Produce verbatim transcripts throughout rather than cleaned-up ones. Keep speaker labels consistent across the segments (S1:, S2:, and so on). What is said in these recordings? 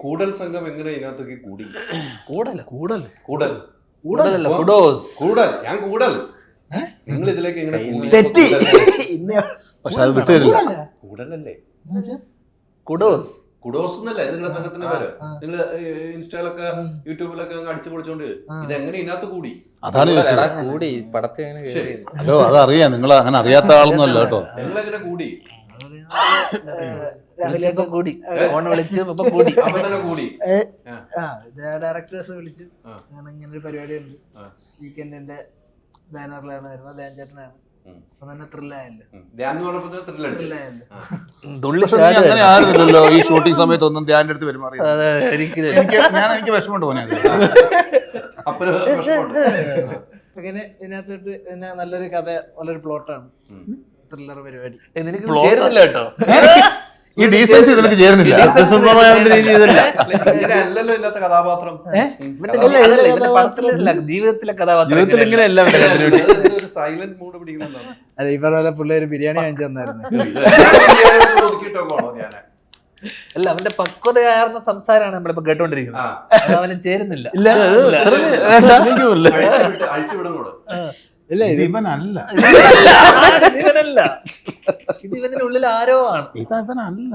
S1: കൂടൽ സംഘം എങ്ങനെ ഇതിനകത്തേക്ക് കൂടി?
S2: കൂടൽ കൂടൽ
S1: കൂടൽ
S2: കൂടലല്ല കുഡോസ്.
S1: കൂടൽ ഞാൻ കൂടൽ നിങ്ങൾ ഇതിലേക്ക് എങ്ങനെ കൂടി?
S3: തെറ്റി. പക്ഷെ അത് വിട്ടുതരില്ല.
S1: കൂടലല്ലേ
S2: കുഡോസ്.
S1: കുഡോസ് എന്നല്ലേ നിങ്ങളുടെ സംഘത്തിന്റെ പേര്? നിങ്ങൾ ഇൻസ്റ്റയിലൊക്കെ യൂട്യൂബിലൊക്കെ അങ്ങ് അടിച്ചു പൊളിച്ചോണ്ട് ഇതെങ്ങനെ ഇതിനകത്ത് കൂടി?
S3: അതാണ്
S2: കൂടി പടത്തെ
S3: ഹലോ അതറിയാം, നിങ്ങൾ അങ്ങനെ അറിയാത്ത ആളൊന്നും അല്ല കേട്ടോ.
S1: നിങ്ങളെങ്ങനെ കൂടി?
S2: കൂടി ഫോൺ വിളിച്ചു ഇപ്പൊ കൂടി
S1: അപ്പൊ തന്നെ കൂടി.
S4: ഡയറക്ടേഴ്സ് വിളിച്ചു, അങ്ങനെ ഇങ്ങനെ ഒരു പരിപാടി ഉണ്ട് വീക്കെൻഡിന്റെ ബാനറിലാണ് വരുന്നത്, ധ്യാൻ ചേട്ടനാണ്. അപ്പൊ തന്നെ ത്രില്ലായല്ലോ.
S3: അങ്ങനെ ആയിരുന്നല്ലോ ഈ ഷൂട്ടിംഗ് സമയത്ത് ഒന്നും ധ്യാന്റെ അടുത്ത് പെരുമാറി. ഞാൻ എനിക്ക് വിഷമമുണ്ട് പോനെ.
S4: അങ്ങനെ ഇതിനകത്തോട്ട് പിന്നെ നല്ലൊരു കഥ, നല്ലൊരു പ്ലോട്ടാണ്, ത്രില്ലർ പരിപാടി.
S2: നിനക്ക് ചേരുന്നില്ല കേട്ടോ,
S3: ഈ ഡീസൻസി നിനക്ക് ചേരുന്നില്ല.
S1: കഥാപാത്രം
S2: ജീവിതത്തിലെ കഥാപാത്രം
S1: സൈലന്റ് മൂഡ് പിടിക്കുന്നതാണ്.
S4: അതെ, ഈ പറഞ്ഞ പോലെ പിള്ളേര് ബിരിയാണി വാങ്ങിച്ചു തന്നായിരുന്നു.
S2: അല്ല, അവന്റെ പക്വതയാർന്ന സംസാരമാണ് നമ്മളിപ്പോ കേട്ടോണ്ടിരിക്കുന്നത്. അത് അവന് ചേരുന്നില്ല.
S4: ഇല്ല
S3: ഇവനല്ല,
S2: ഇവനല്ല, ഇത് ഇവന്റെ ഉള്ളിൽ ആരോ ആണ്.
S3: ഇതവനല്ല.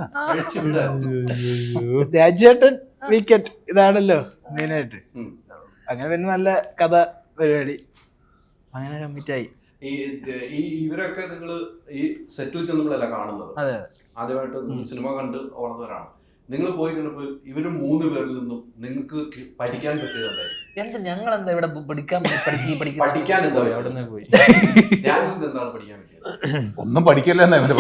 S4: രാജേട്ടൻ വീക്കെൻഡ് ഇതാണല്ലോ മെയിനായിട്ട്. അങ്ങനെ പിന്നെ നല്ല കഥ പരിപാടി അങ്ങനെ കമ്മിറ്റ് ആയി.
S1: ഈ ഇവരൊക്കെ നിങ്ങൾ ഈ സെറ്റിൽ ചെന്നപ്പോഴല്ല കാണുന്നത്,
S2: അതെ
S1: ആദ്യമായിട്ട് സിനിമ കണ്ട് വളർന്നവരാണ്. നിങ്ങൾ പോയി കണ്ടപ്പോൾ ഇവര് മൂന്ന് പേരിൽ നിന്നും നിങ്ങൾക്ക് പഠിക്കാൻ പറ്റിയതുണ്ടായി.
S2: എന്ത് ഞങ്ങൾ എന്താ ഇവിടെ പഠിക്കാൻ
S1: പഠിക്കാൻ എന്താ അവിടെ പോയി ഞാൻ എന്താണ് പഠിക്കാൻ പറ്റിയത്?
S3: ഒന്നും പഠിക്കല്ലേ ഇവന്റെ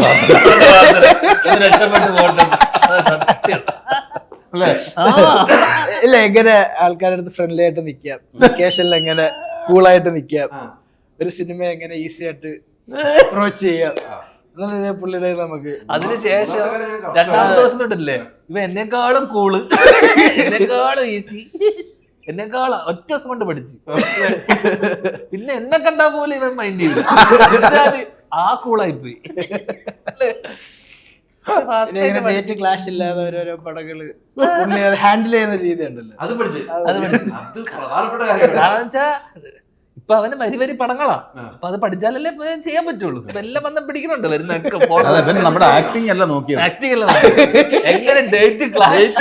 S4: ഇല്ല, എങ്ങനെ ആൾക്കാരുടെ അടുത്ത് ഫ്രണ്ട്ലി ആയിട്ട് നിക്കാം, വെക്കേഷനിൽ എങ്ങനെ കൂളായിട്ട് നിക്കാം, ഒരു സിനിമ എങ്ങനെ ഈസി ആയിട്ട് അപ്രോച്ച് ചെയ്യാം, പുള്ളിയുടെ നമുക്ക്.
S2: അതിനുശേഷം രണ്ടാമത്തെ ദിവസം തൊട്ടല്ലേ ഇവ എന്നെക്കാളും കൂള്, എന്നെക്കാളും ഈസി, എന്നെക്കാളും ഒറ്റ ദിവസം കൊണ്ട് പഠിച്ചു. പിന്നെ എന്നെ കണ്ടാ പോലെ ഇവൻ മൈൻഡ് ചെയ്തു, ആ കൂളായി പോയി.
S4: ഡേറ്റ് ക്ലാഷ് ഇല്ലാതെ ഓരോരോ പടങ്ങള് പുള്ളി ഹാൻഡിൽ ചെയ്യുന്ന രീതി ഉണ്ടല്ലോ,
S1: അത് പഠിച്ചു.
S2: അത് പഠിച്ചു. കാരണം വെച്ചാ ഇപ്പൊ അവന് വരി വരി പടങ്ങളാ, അപ്പൊ അത് പഠിച്ചാലല്ലേ ചെയ്യാൻ പറ്റുള്ളൂ. ഇപ്പൊ എല്ലാം വന്ന് പിടിക്കുന്നുണ്ട് വരുന്നൊക്കെ.
S3: നമ്മുടെ ആക്ടിങ് അല്ല നോക്കിയത്,
S2: ആക്ടിങ് അല്ല എങ്ങനെ ഡേറ്റ് ക്ലാസ്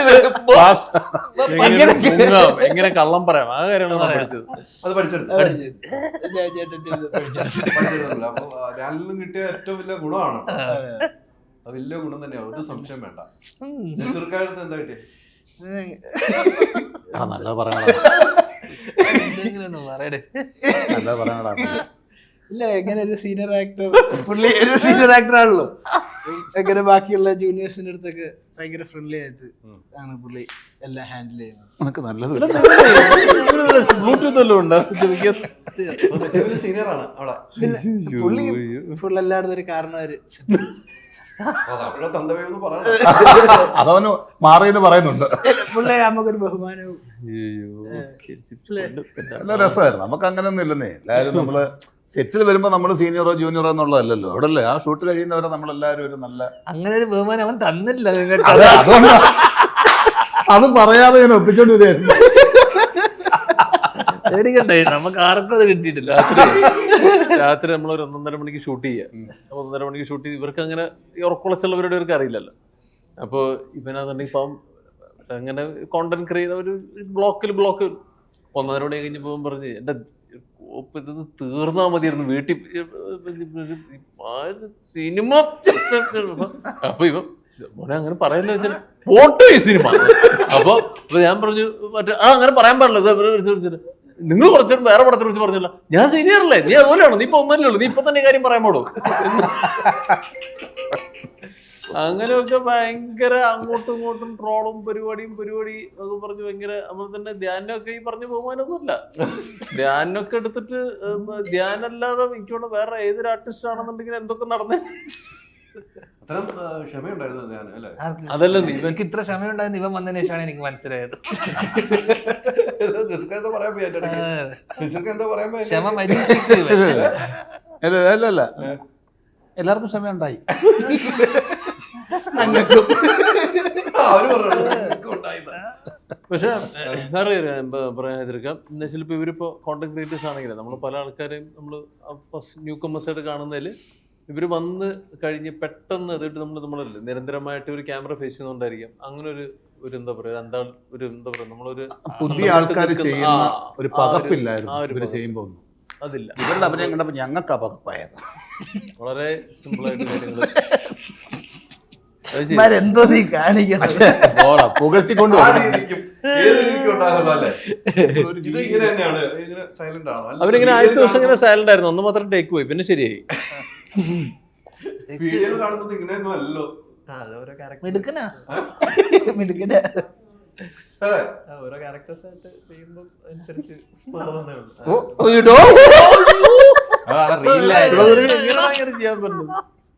S5: എങ്ങനെ കള്ളം പറയാം, ആ കാര്യമാണ് പഠിച്ചത്.
S1: അത് പഠിച്ചെടുത്തു. അപ്പൊ ഞാനിൽ കിട്ടിയ ഏറ്റവും വലിയ ഗുണമാണ്, വലിയ ഗുണം തന്നെയാ, ഒരു സംശയം വേണ്ട. ചെറുക്കാലത്ത് എന്താ കിട്ടിയ?
S3: നല്ല പറയണ
S4: ഇല്ല, എങ്ങനെ ഒരു സീനിയർ ആക്ടർ, പുള്ളി ഒരു സീനിയർ ആക്ടർ ആണല്ലോ, എങ്ങനെ ബാക്കിയുള്ള ജൂനിയേഴ്സിന്റെ അടുത്തൊക്കെ ഭയങ്കര ഫ്രണ്ട്ലി ആയിട്ട് ആണ് പുള്ളി എല്ലാം ഹാൻഡിൽ ചെയ്യുന്നത്.
S3: നമുക്ക് നല്ലത്
S5: ബ്ലൂടൂത്ത് വല്ലതും ഉണ്ടോ?
S1: സീനിയറാണ് അവിടെ.
S4: പുള്ളി ഫുൾ എല്ലായിടത്തും ഒരു കാരണവര്,
S3: അതവന് മാറിയെന്ന് പറയുന്നുണ്ട്.
S4: പുള്ളി നമുക്കൊരു ബഹുമാനവും.
S3: നല്ല രസമായിരുന്നു. നമുക്ക് അങ്ങനെയൊന്നും ഇല്ലെന്നേ, എല്ലാവരും നമ്മള് സെറ്റിൽ വരുമ്പോ നമ്മള് സീനിയറോ ജൂനിയറോ എന്നുള്ളതല്ലല്ലോ. അവിടെ അല്ലേ ആ ഷൂട്ട് കഴിയുന്നവരെ നമ്മളെല്ലാവരും ഒരു നല്ല
S2: അങ്ങനെ ഒരു ബഹുമാനം അവൻ തന്നില്ല.
S3: അത് പറയാതെ ഞാൻ ഒപ്പിച്ചോണ്ട് വരികയായിരുന്നു.
S2: പേടിക്കണ്ടേ, നമുക്ക് ആർക്കും അത് കിട്ടിയിട്ടില്ല.
S5: രാത്രി നമ്മളൊരു ഒന്നൊന്നര മണിക്ക് ഷൂട്ട് ചെയ്യാം. ഒന്നര മണിക്ക് ഷൂട്ട് ചെയ്ത് ഇവർക്ക് അങ്ങനെ ഈ ഉറക്കുളച്ചുള്ളവരുടെ ഇവർക്ക് അറിയില്ലല്ലോ. അപ്പോൾ ഇവനാന്നുണ്ടെങ്കിൽ ഇപ്പം അങ്ങനെ കോണ്ടന്റ് ക്രിയേറ്റ് ഒരു ബ്ലോക്കിൽ ബ്ലോക്ക് ഒന്നര മണി കഴിഞ്ഞ് പോകുമ്പോൾ പറഞ്ഞ് എൻ്റെ ഇതൊന്ന് തീർന്നാ മതിയായിരുന്നു വീട്ടിൽ സിനിമ. അപ്പൊ ഇവ മോനെ അങ്ങനെ പറയല്ലോ വെച്ചാൽ പോട്ടെ ഈ സിനിമ. അപ്പൊ ഞാൻ പറഞ്ഞു മറ്റേ ആ അങ്ങനെ പറയാൻ പാടില്ല, നിങ്ങൾ കുറച്ചു വേറെ പടത്തിനെ കുറിച്ച് പറഞ്ഞല്ലോ. ഞാൻ സീനിയർ അല്ലേ, നീ അതുപോലെയാണോ, നീ ഇപ്പൊ ഒന്നല്ലേ ഉള്ളൂ, നീ ഇപ്പൊ തന്നെ കാര്യം പറയാൻ പാടോ. അങ്ങനെയൊക്കെ ഭയങ്കര അങ്ങോട്ടും ഇങ്ങോട്ടും ട്രോളും പരിപാടിയും പരിപാടി ഒക്കെ പറഞ്ഞ് ഭയങ്കര നമ്മൾ തന്നെ. ധ്യാനൊക്കെ ഈ പറഞ്ഞ ബഹുമാനമൊന്നുമില്ല. ധ്യാനൊക്കെ എടുത്തിട്ട് ധ്യാനല്ലാതെ എനിക്കോട് വേറെ ഏതൊരു ആർട്ടിസ്റ്റ് ആണെന്നുണ്ടെങ്കിൽ എന്തൊക്കെ നടന്നേ.
S2: അതല്ല, ഇവർക്ക് ഇത്ര ക്ഷമയുണ്ടായിരുന്നു ഇവൻ വന്നതിന് ശേഷമാണ് എനിക്ക് മനസ്സിലായത്. ക്ഷമ
S3: അല്ല എല്ലാവർക്കും ക്ഷമയുണ്ടായി.
S5: പക്ഷെ വേറെ പറയാതിരിക്കാം എന്ന് വെച്ചാൽ ഇപ്പൊ ഇവരിപ്പോ കോണ്ടന്റ് ക്രിയേറ്റേഴ്സ് ആണെങ്കിലും നമ്മൾ പല ആൾക്കാരെയും നമ്മൾ ഫസ്റ്റ് ന്യൂ കമേഴ്സ് ആയിട്ട് കാണുന്നതിൽ ഇവര് വന്ന് കഴിഞ്ഞ് പെട്ടെന്ന് അതായിട്ട് നമ്മൾ നമ്മളല്ലേ നിരന്തരമായിട്ട് ഒരു ക്യാമറ ഫേസ് ചെയ്യുന്നോണ്ടായിരിക്കാം അങ്ങനെ ഒരു ഒരു എന്താ പറയാ എന്താ ഒരു എന്താ പറയാ നമ്മളൊരു
S3: പുതിയ ആൾക്കാർ ചെയ്യുന്ന ഒരു പകപ്പില്ലായിരുന്നു ഇവര് ചെയ്യുമ്പോ ഒന്നും
S5: അതില്ല.
S3: ഇവരുടെ അഭിനയം കണ്ടപ്പോ ഞങ്ങൾക്ക് ആ പകപ്പായത്.
S5: വളരെ സിമ്പിൾ ആയിട്ട് കാര്യങ്ങൾ
S4: എന്തോ നീ കാണിക്കണം
S3: പുകഴ്ത്തിക്കൊണ്ട്
S1: ഇത് ഇങ്ങനെ തന്നെയാണ്, ഇങ്ങനെ സൈലന്റ് ആണോ?
S5: അവരിങ്ങനെ ആദ്യത്തെ ദിവസം ഇങ്ങനെ സൈലന്റ് ആയിരുന്നു, ഒന്ന് മാത്രം ടേക്ക് പോയി, പിന്നെ ശരിയായി.
S1: വീഡിയോയിൽ കാണുന്നത് ഇങ്ങനെയൊന്നും അല്ലല്ലോ.
S2: മിടുക്കനാ
S4: മിടുക്കനാ.
S1: അതെ,
S6: ഓരോ ക്യാരക്ടേഴ്സ് ആയിട്ട് ചെയ്യുമ്പോൾ അനുസരിച്ച് മാറുന്നേ ഉള്ളൂ.
S5: ഇങ്ങനെ ചെയ്യാൻ പറ്റും.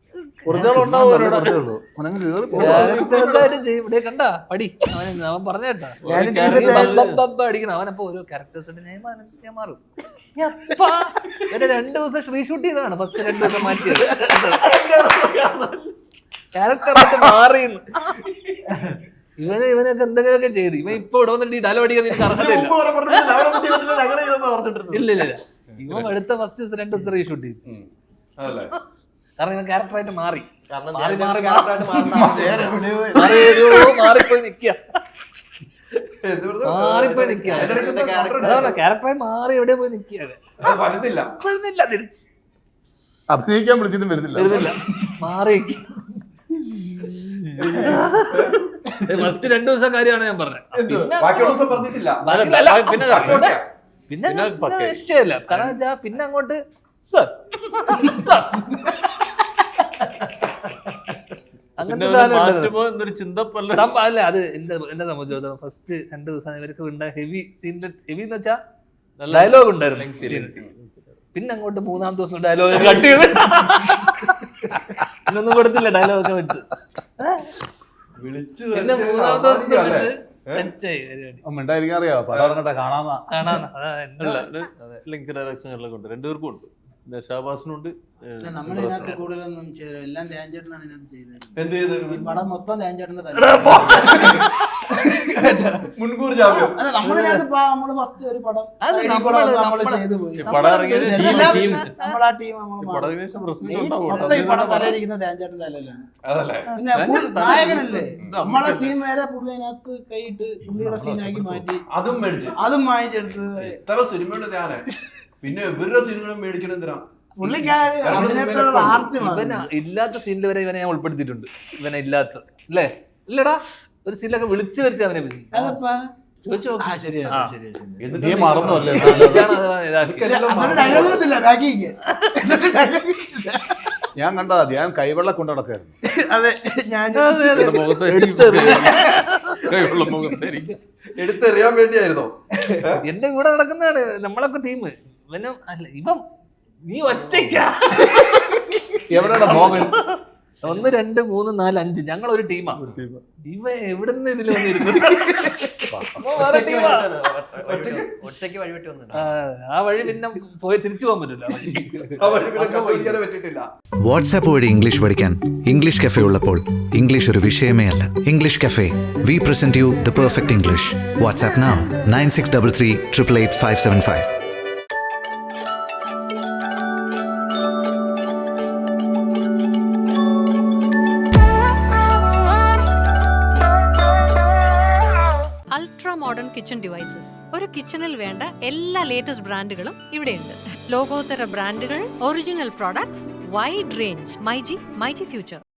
S2: കണ്ടാ പടി അവൻ അവൻ പറഞ്ഞേട്ടാ അടിക്കണം. അവനപ്പോ ഓരോ ക്യാരക്ടേഴ്സിന്റെ നെയിം അനുസരിച്ച് ഞാൻ മാറും. ഇവരെ രണ്ടു ദിവസം റീഷൂട്ട് ചെയ്തതാണ്, ഫസ്റ്റ് രണ്ടു ദിവസം മാറ്റിയത്. ക്യാരക്ടർ മാറിയെന്ന് ഇവന് ഇവനൊക്കെ എന്തെങ്കിലുമൊക്കെ ചെയ്ത് ഇവൻ ഇപ്പൊ ഇവിടെ വന്നിട്ട് ഈ ഡയലോഗ് അടിക്കാൻ എനിക്ക് അർഹതയില്ല. ഇല്ല ഇല്ല ഇല്ല ഇവൻ അടുത്ത ഫസ്റ്റ് ദിവസം രണ്ടു ദിവസം റീഷൂട്ട് ചെയ്തു.
S1: അതല്ലേ
S2: കാരണം ഇവൻ ക്യാരക്ടറായിട്ട് മാറി
S6: കാരണം
S2: മാറി മാറി
S6: ക്യാരക്ടറായിട്ട്
S2: മാറി ഏതോ മാറിപ്പോയി നിക്കുക മാറിപ്പോയി നിക്കുക ക്യാരക്ടറായി മാറി എവിടെ പോയി നിക്കുകയാണ്.
S1: വരുന്നില്ല
S2: വരുന്നില്ല തിരിച്ച്
S3: അഭിനയിക്കാൻ വിളിച്ചിട്ടും വരുന്നില്ല
S2: വരുന്നില്ല മാറി ഫസ്റ്റ് രണ്ടു ദിവസം കാര്യമാണ് ഞാൻ പറഞ്ഞത്.
S1: ബാക്കി ദിവസം പറഞ്ഞിട്ടില്ല.
S5: പിന്നെ
S2: പിന്നെ പിന്നെ ഇഷ്ടമല്ല കാരണം വെച്ചാ പിന്നെ അങ്ങോട്ട് സർ അങ്ങനത്തെ
S5: മാറ്റുമ്പോ എന്നൊരു ചിന്ത പല
S2: സംഭവം അല്ല. അത് എന്റെ എന്നെ സംബന്ധിച്ചിടത്തോളം ഫസ്റ്റ് രണ്ടു ദിവസം ഇവർക്ക് ഉണ്ടായ ഹെവി സീനിന്റെ ഹെവി എന്ന് വെച്ചാൽ ഡയലോഗ് ഉണ്ടായിരുന്നു. പിന്നെ അങ്ങോട്ട് മൂന്നാം ദിവസം ഡയലോഗ് കട്ട് ചെയ്ത് ഇതൊന്നും കൊടുത്തില്ല ഡയലോഗ് ഒക്കെ വെച്ച്. പിന്നെ മൂന്നാം ദിവസം സെറ്റായി പരിപാടി.
S3: മിണ്ടായിരിക്കാൻ അറിയാവോ പടം ഇറങ്ങട്ടെ കാണാന്നാ
S2: കാണാന്ന് അതാ
S5: ലിങ്ക് ഡയറക്ഷനുകളിലൊക്കെ ഉണ്ട്, രണ്ടുപേർക്കും ഉണ്ട്. ഷാബാസിനുണ്ട്.
S4: നമ്മളിതിനകത്ത് കൂടുതലൊന്നും ചെയ്തില്ല, എല്ലാം ധ്യാൻചേട്ടനാണ് ഇതിനകത്ത് ചെയ്തത്.
S1: എന്ത് ചെയ്ത്
S4: ഈ പടം മൊത്തം ധ്യാൻചേട്ടന്റെ
S1: മുൻകൂർ ജാമ്യം.
S4: അല്ല നമ്മളിതിനകത്ത് നമ്മള് ഫസ്റ്റ് ഒരു പടം
S2: അത്
S4: നമ്മള്
S2: നമ്മള്
S4: ചെയ്തു പോയി.
S5: പടം ഇറങ്ങിയതിന്
S4: എല്ലാം
S5: ടീം
S4: നമ്മളാ ടീം
S5: പടത്തിന് ശേഷം പ്രശ്നം
S4: ഈ
S5: ഉണ്ടാവും.
S4: മൊത്തം ഈ പടം തലയിരിക്കുന്ന ധ്യാൻചേട്ടന്റെ തലയിലാണ്.
S1: അതല്ലേ
S4: പിന്നെ ഫുൾ നായകനല്ലേ, നമ്മളെ സീൻ വരെ പുള്ളി അതിനകത്ത് കൈയിട്ട് പുള്ളിയുടെ സീനാക്കി മാറ്റി
S1: അതും മേടിച്ച്
S4: അതും വാങ്ങിച്ചെടുത്ത്
S1: ഇത്ര സിനിമയുടെ ധ്യാന പിന്നെ ഇവരുടെ സിനിമകളും മേടിക്കണം എന്തിനാ?
S4: പുള്ളിക്കാര് അഭിനയത്തോടുള്ള ആർത്തി
S2: ഇവന ഇല്ലാത്ത സീനിൽ വരെ ഇവനെ ഞാൻ ഉൾപ്പെടുത്തിയിട്ടുണ്ട്. ഇവനെ ഇല്ലാത്ത അല്ലേ ഇല്ലടാ ഒരു സീനിലൊക്കെ വിളിച്ചു വരുത്തി അവനെ പറ്റി
S4: അതപ്പാ
S2: ചോദിച്ചു നോക്ക്.
S4: ആ ശരിയാ
S2: ആ.
S4: ശരിയാ ശരിയാ.
S1: എന്നിട്ട്
S3: നീ മറന്നു അല്ലേ
S2: ഇതാണ് അത് ഇതാക്കി.
S4: അതൊരു ഡയലോഗ് ഒന്നുമില്ല ബാക്കിങ്.
S3: ഞാൻ കണ്ടതാ ഞാൻ കൈവെള്ള കൊണ്ടു നടക്കായിരുന്നു.
S4: അതെ ഞാൻ
S5: മുഖത്ത് മുഖത്തായിരിക്കും
S1: എടുത്തെറിയാൻ വേണ്ടിയായിരുന്നോ?
S2: എന്റെ കൂടെ നടക്കുന്നതാണ് നമ്മളൊക്കെ ടീം. ഇവനും അല്ല ഇവൻ നീ ഒറ്റയ്ക്കാ.
S3: എവിടെയാണ് മോഹൻ?
S2: ഒന്ന് രണ്ട് മൂന്ന് നാല് അഞ്ച് ഞങ്ങൾ ഒരു ടീമാ. ഇവ എവിടുന്ന് ഇതിൽ വന്നിരുന്നു
S6: ഒറ്റയ്ക്ക് വഴിവിട്ട് വന്നിട്ടുണ്ട്.
S2: ആ വഴി പിന്നെ പോയി തിരിച്ചു പോകാൻ പറ്റില്ല.
S1: ആ വഴി പിന്നെ കണ്ടുപിടിക്കാനേ പറ്റിയിട്ടില്ല.
S7: വാട്സാപ്പ് വഴി ഇംഗ്ലീഷ് പഠിക്കാൻ ഇംഗ്ലീഷ് കഫേ ഉള്ളപ്പോൾ ഇംഗ്ലീഷ് ഒരു വിഷയമേ അല്ല. English cafe we present you the perfect English. WhatsApp now nine six double three triple eight five seven five.
S8: Ultra modern kitchen devices. ഒരു കിച്ചണിൽ വേണ്ട എല്ലാ ലേറ്റസ്റ്റ് ബ്രാൻഡുകളും ഇവിടെയുണ്ട്. ലോകോത്തര ബ്രാൻഡുകൾ, original products, wide range. MyG myG future.